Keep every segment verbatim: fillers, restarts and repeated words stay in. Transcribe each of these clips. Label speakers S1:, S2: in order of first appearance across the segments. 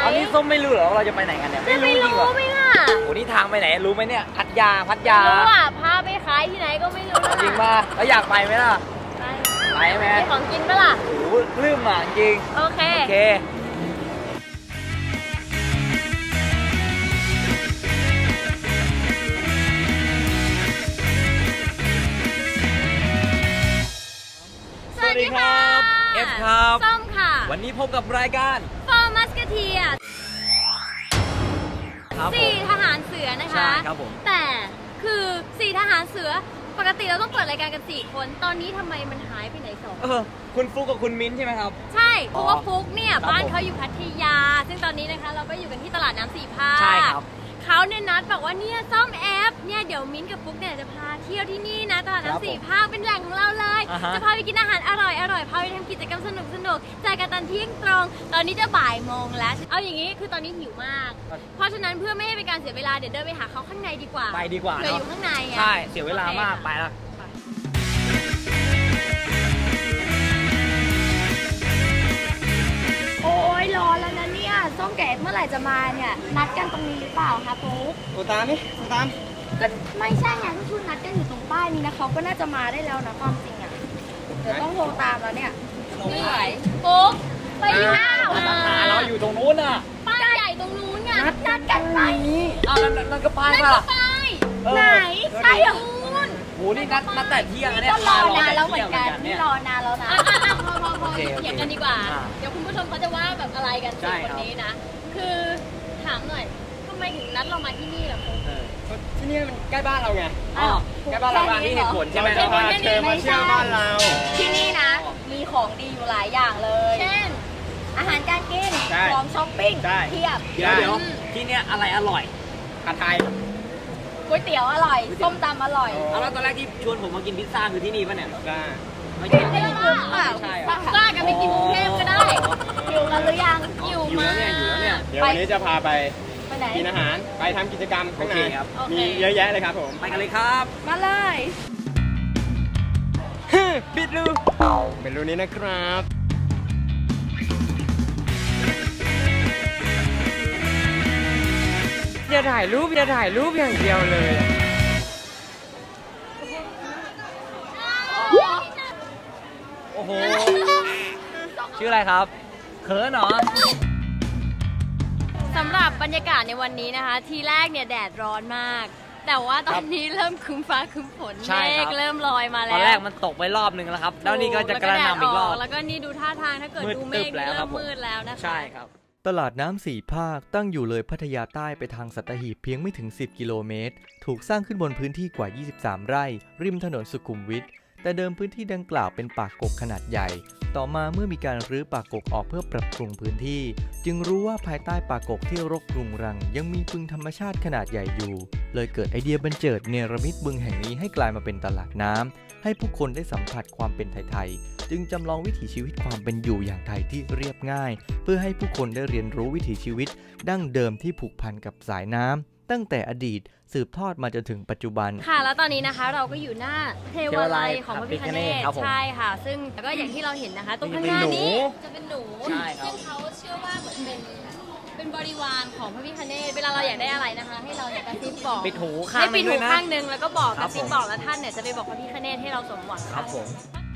S1: อันนี้ส้มไม่รู้เหรอว่าเราจะไปไหนกันเนี่ย
S2: ไม่รู้ไม่ล่ะ
S1: โอ้นี่ทางไปไหนรู้ไหมเนี่ยพัทยาพัทยา
S2: รู้อ่ะพาไปขายที่ไหนก็ไม่รู้
S1: จริงป่ะแล้วอยากไปไหมล่ะ
S2: ไป
S1: ไปไหม
S2: มีของกินปะล่ะ
S1: โอ้ลืมอ่ะจริง
S2: โอเค
S1: โอเคสวัสดีครับเอฟครับ
S2: ส้มค่ะ
S1: วันนี้พบกับรายการ
S2: ฟอร์มัสกเทียสี่ทหารเสือนะคะ
S1: ใช่ครับผม
S2: แต่คือสี่ทหารเสือปกติเราต้องเปิดรายการกันสี่คนตอนนี้ทำไมมันหายไปไหนสอง
S1: เออคุณฟุกกับคุณมิ้นใช่ไหมครับ
S2: ใช่เพราะว่าฟุกเนี่ยบ้านเขาอยู่พัทยาซึ่งตอนนี้นะคะเราก็อยู่กันที่ตลาดน้ำสี่ภาค
S1: ใช่ครับ
S2: เขาเนี่ยนัดบอกว่าเนี่ยซ่อมแอปเนี่ยเดี๋ยวมิ้นกับฟุกเนี่ยจะพาเที่ยวที่นี่นะตลาดน้ำสี่ภาคเป็นแหล่งของเราเลยจะพาไปกินอาหารอร่อยอร่อยพาไปทำกิจกรรมสนุกสนุกเจอกันตอนเที่ยงตรงตอนนี้จะบ่ายโมงแล้วเอาอย่างนี้คือตอนนี้หิวมากเพราะฉะนั้นเพื่อไม่ให้เป็นการเสียเวลาเดี๋ยวเดินไปหาเขาข้างในดีกว่า
S1: ไปดีกว่า
S2: เผื่ออยู่ข้างใน
S1: ใช่เสียเวลามากไปแล้ว
S2: โอ้ยรอแล้วนะเนี่ยส้มแกะเมื่อไหร่จะมาเนี่ยนัดกันตรงนี้หรือเปล่าคะปุ๊ก
S1: โทรตามนี่โทรตาม
S2: ก็ไม่ใช่ไงก็ชุดนัดกันอยู่ตรงป้ายนี้นะเขาก็น่าจะมาได้แล้วนะความจริงอ่ะเดี๋ยวต้องโทรตามแล้วเนี่ยไม่ไหวปุ๊กไปอยู่อ้าว
S1: เราอยู่ตรงนู้นน่ะ
S2: ป้ายใหญ่ตรงนู้นไงนัดนัดกันไป
S1: อ้าวนั่นก็ป้ายป่ะ
S2: ไหนใช่เหรอ
S1: โหนี่นัดนัดแต่เที่ยงเนี่ย
S2: รอนานแล้วเหมือนกันนี่รอนานแล้วนะพอพอพอเถียงกันดีกว่าเดี๋ยวคุณผู้ชมเขาจะว่าแบบอะไรกันสี่คนนี้นะคือถามหน่อยทำไมถึงนัดเรามาที่นี่ล่ะคุณ
S1: ที่นี่มันใกล้บ้านเราไงใกล้บ้านเราที่เหตุผลใช่ไหมเรา
S2: มา
S1: เชิญมาเที่ยวบ้านเรา
S2: ที่นี่นะมีของดีอยู่หลายอย่างเลยเช่นอาหารการกินของช้อปปิ้งเทียบ
S1: เดี๋ยวที่นี่อะไรอร่อยผัดไทย
S2: ก๋วยเตี๋ยวอร่อยส้มตำอร่อย
S1: เอาแล้วตอนแรกที่ชวนผมมากินพิซซ่าคือที่นี่ป่ะเนี่ย
S3: ซ่า
S2: ไม่ใช่ไม่ใช่เปล่าพิซซ่ากันไปกินกรุงเทพก็ได้อยู่กันหรือยัง
S1: อยู่มาอยู่แล้วเนี่ย
S3: เดี๋ยววันนี้จะพาไปกินอาหารไปทำกิจกรรมข้างใน
S1: ครับ
S3: มีเยอะแยะเลยครับผม
S1: ไปกันเลยครับ
S2: มาเลย
S1: ปิดรู
S3: เป็นรูนี้นะครับอย่าถ่ายรูปอย่าถ่ายรูปอย่างเดียวเลย
S1: โอ้โหชื่ออะไรครับเขินเหรอ
S2: สำหรับบรรยากาศในวันนี้นะคะทีแรกเนี่ยแดดร้อนมากแต่ว่าตอนนี้เริ่มครึ้มฟ้าครึ้มฝนเมฆเริ่มลอยมาแล้ว
S1: ตอนแรกมันตกไปรอบนึงแล้วครับแล้วนี่ก็จะกระหน่ำอีกรอบ
S2: แล้วก็นี่ดูท่าทางถ้าเกิดดูเมฆเริ่มมืดแล้วนะคะ
S1: ใช่ครับ
S4: ตลาดน้ำสี่ภาคตั้งอยู่เลยพัทยาใต้ไปทางสัตหีบเพียงไม่ถึงสิบกิโลเมตรถูกสร้างขึ้นบนพื้นที่กว่ายี่สิบสามไร่ริมถนนสุขุมวิทแต่เดิมพื้นที่ดังกล่าวเป็นป่ากกขนาดใหญ่ต่อมาเมื่อมีการรื้อป่ากกออกเพื่อปรับปรุงพื้นที่จึงรู้ว่าภายใต้ป่ากกที่รกรุงรังยังมีบึงธรรมชาติขนาดใหญ่อยู่เลยเกิดไอเดียบันเจิดเนรมิตบึงแห่งนี้ให้กลายมาเป็นตลาดน้ำให้ผู้คนได้สัมผัสความเป็นไทยๆจึงจำลองวิถีชีวิตความเป็นอยู่อย่างไทยที่เรียบง่ายเพื่อให้ผู้คนได้เรียนรู้วิถีชีวิตดั้งเดิมที่ผูกพันกับสายน้ำตั้งแต่อดีตสืบทอดมาจนถึงปัจจุบัน
S2: ค่ะแล้วตอนนี้นะคะเราก็อยู่หน้าเทวาลัยของพระพิฆเนศใช่ค่ะซึ่งก็อย่างที่เราเห็นนะคะตรงข้างหน้านี้จะเป็นหนูซึ่งเขาเชื่อว่าเหมือนเป็นเป็นบริวารของพระพิฆเนศเวลาเราอยากได้อะไรนะคะให้เราเนี่ยกระซิบบอก
S1: ปิดหูข้างนึงด้วยนะ
S2: ข้างนึงแล้วก็บอกกระซิบบอกแล้วท่านเนี่ยจะไปบอกพระพิฆเนศให้เราสมหวัง
S1: ครับผม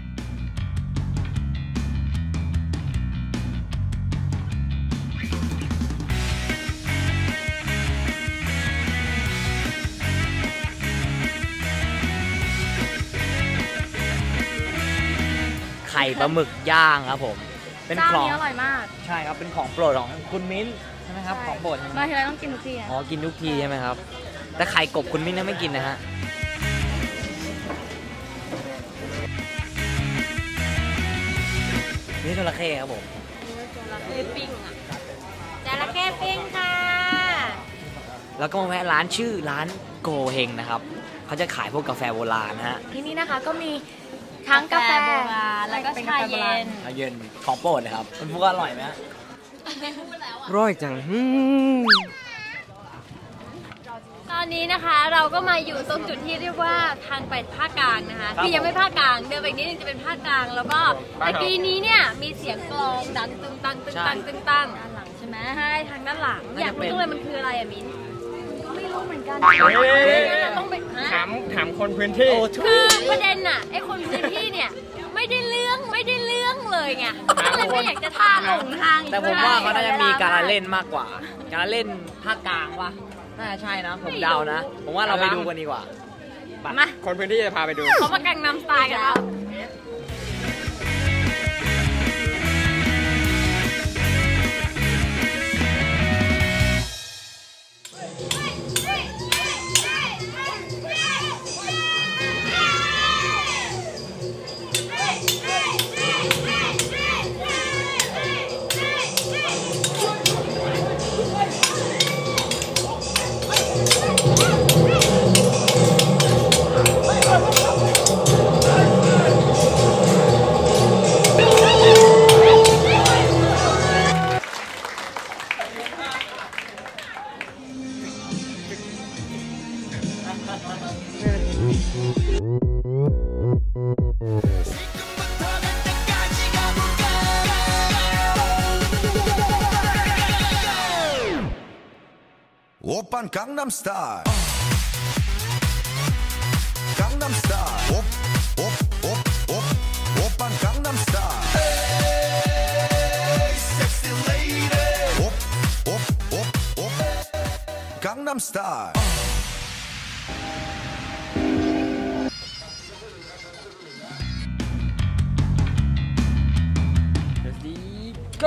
S1: ไข่ปลาหมึกย่างครับผม
S2: เป็นของอร่อยมาก
S1: ใช่ครับเป็นของโปรดของคุณมิ้นใช่ไหมครับของโปรด
S2: มาทีไรต้องกินทุกที
S1: อ๋อกินทุกทีใช่ไหมครับแต่ไข่กบคุณมิ้นไม่กินนะฮะนี่จระเข้ครับผม
S2: จระเข้ปิ้งอ่ะจระเข้ปิ้งค่ะ
S1: แล้วก็มาแวะร้านชื่อร้านโกเฮงนะครับเขาจะขายพวกกาแฟโบราณนะฮะ
S2: ที่นี่นะคะก็มีทั้งกาแฟโบราณแล้วก็ชาเย็น
S1: ชาเย็นของโปรดเลยครับคุณพูดว่าอร่อยไหม
S2: ไม่พูดแล้วอ่ะ
S3: ร่อยจัง
S2: ตอนนี้นะคะเราก็มาอยู่ตรงจุดที่เรียกว่าทางไปภาคกลางนะคะคือยังไม่ภาคกลางเดินไปนิดนึงจะเป็นภาคกลางแล้วก็ในปีนี้เนี่ยมีเสียงกลองดังตึงตังตึงตังตึงตังด้านหลังใช่ไหมให้ทางด้านหลังอยากรู้จังเลยมันคืออะไรอะมิ้นไม่รู้เหมือนกัน ต้องไป
S3: ถามถามคนพื้นที่
S2: คือประเด็นน่ะไอ้คนพื้นที่เนี่ยไม่ได้เรื่องไม่ได้เรื่องเลยไงก็เลยไม่อยากจะทาหลงทางอีก
S1: แต่ผมว่าเขาน่าจะมีการเล่นมากกว่า การเล่นภาคกลางวะน่าจะใช่นะ ผมเดานะ ผมว่าเราไปดูกันดีกว่า
S2: มา
S3: คนพื้นที่จะพาไปดู
S2: เขามากังนำสไตล์กันแล้ว
S5: 오빤 강남스타일 강남스타일 옵옵옵옵 오빤 강남스타일 Hey sexy lady 옵옵옵옵 강남스타일
S3: go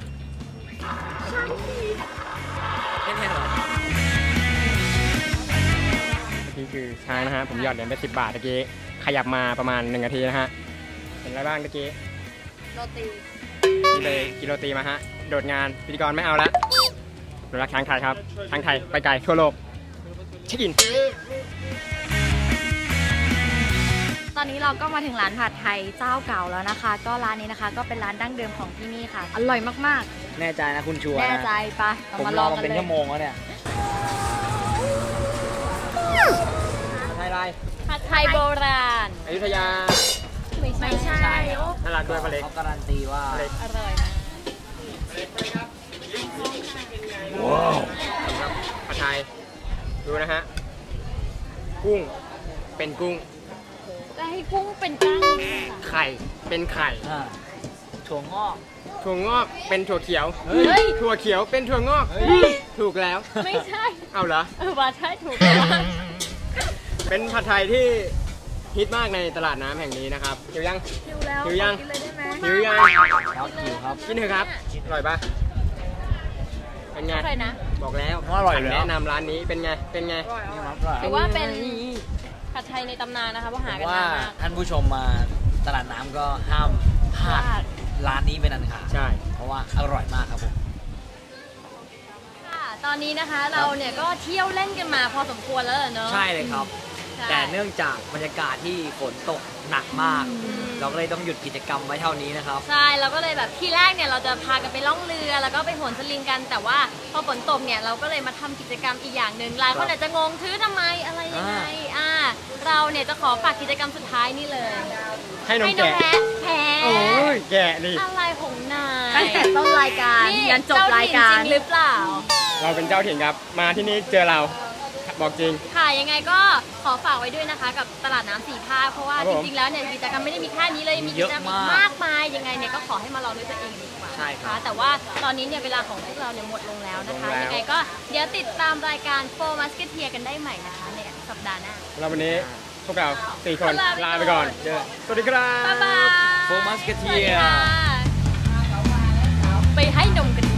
S3: นี่คือช้างนะฮะผมหยอดเหรียญไปสิบบาทตะกี้ขยับมาประมาณหนึ่งนาทีนะฮะเห็นอะไรบ้างตะกี้
S2: โรตี
S3: นี่เลยกิโลตีมาฮะโดดงานพิธีกรไม่เอาละหนูรักช้างไทยครับช้างไทยไปไกลทั่วโลกเช็คอิน
S2: ตอนนี้เราก็มาถึงร้านผัดไทยเจ้าเก่าแล้วนะคะ ก็ร้านนี้นะคะก็เป็นร้านดั้งเดิมของที่นี่ค่ะอร่อยมาก
S1: แน่ใจนะคุณชัว
S2: ๆ
S1: ร์
S2: แน่
S1: นะ
S2: ใจปะเรา
S1: ผม
S2: มาร
S1: อ
S2: อ
S1: มา
S2: กัน
S1: เป็น
S2: เลย
S1: ชั่วโมงแล้วเนี่ยไทยไร
S2: ผัดไทยโบราณ
S3: อยุธยา
S2: ไม่ใช่
S3: น่ารักด้วยปลาเล็ก
S1: เขาการันตีว่า
S3: ปลาเล็ก
S2: อร่อยมาก
S3: ว้าวครับผัดไทยดูนะฮะกุ้งเป็นกุ้ง
S2: จะให้กุ้งเป็นก้างเลยค่ะ
S3: ไข่เป็นไข่
S1: อ่าถั่วงอก
S3: ถั่วงอกเป็นถั่วเขียว
S2: เฮ้ย
S3: ถั่วเขียวเป็นถั่วงอกถูกแล้ว
S2: ไม่ใช่
S3: เอาเหรอ
S2: เออว่าใช่ถูกแล้ว
S3: เป็นผัดไทยที่ฮิตมากในตลาดน้ำแห่งนี้นะครับหิวยัง
S2: หิวแล้ว
S3: หิวยัง
S2: ขอกินเลยได้ไหม
S3: หิวยัง
S1: ครับหิวครับ
S3: กินเถอะครับอร่อยปะเป็นไง
S2: อร่อยนะ
S3: บอกแล้ว
S1: ว่าอร่อยอยู่แล้ว
S3: แนะนำร้านนี้เป็นไงเป็นไง
S1: นี่ครับอร่อย
S2: ถือว่าเป็นผัดไทยในตำนานนะคะเพราะหากัน
S1: ว่าน
S2: านมาก
S1: ท่านผู้ชมมาตลาดน้ำก็ห้ามพลาดร้านนี้เป็นอันขาด
S3: ใช่
S1: เพราะว่าอร่อยมากครับผม
S2: ค่ะตอนนี้นะคะเราเนี่ยก็เที่ยวเล่นกันมาพอสมควรแล้วเหรอเนอะ
S1: ใช่เลยครับ
S2: ใช่
S1: แต่เนื่องจากบรรยากาศที่ฝนตกหนักมาก เราก็เลยต้องหยุดกิจกรรมไว้เท่านี้นะครับ
S2: ใช่เราก็เลยแบบที่แรกเนี่ยเราจะพากันไปล่องเรือแล้วก็ไปโหนสลิงกัน แต่ว่าพอฝนตกเนี่ยเราก็เลยมาทำกิจกรรมอีกอย่างหนึ่งหลายคนอาจจะงงถือทำไมอะไรยังไงอ่าเราเนี่ยจะขอฝากกิจกรรมสุดท้ายนี่เลย
S3: ให้นม
S2: ให้นม
S3: แกะ
S2: แพะแพ้
S3: โอ้ยแกะนี่
S2: อะไรของนาย
S6: ตั้งแต่ต้นรายการ
S2: นี่
S6: ยันจบรายการ
S2: เจ้ถิ่นจริงหรือเปล่า
S3: เราเป็นเจ้าถิ่นครับ มาที่นี่เจอเราบอกจริง
S2: ค่ะยังไงก็ขอฝากไว้ด้วยนะคะ กับตลาดน้ำสี่ภาคเพราะว่า
S3: ครับ
S2: จ
S3: ผม
S2: ริงๆแล้วเนี่ยกิจกรรมไม่ได้มีแค่นี้เลยมีกิจกรรมอีกมากมายยังไงเนี่ยก็ขอให้มาลองด้วยตัวเองดีกว่า
S1: ใช่ครับ
S2: นะะแต่ว่าตอนนี้เนี่ยเวลาของพวกเราเนี่ยหมดลงแล้วนะคะ
S3: ลงแล้ว
S2: ยังไงก็เดี๋ยวติดตามรายการโฟมัสเกเทียกันได้ใหม่นะคะในสัปดาห์หน้า
S3: เราวันนี้พวกเราสี่คน
S2: ลาไป
S3: ลาไปก่อน
S2: ก่อน
S3: เจอสวัสดีครับ
S2: บ๊ายบาย
S1: โฟมัสเกเทีย
S2: สวัสดีค่ะไปให้นมกัน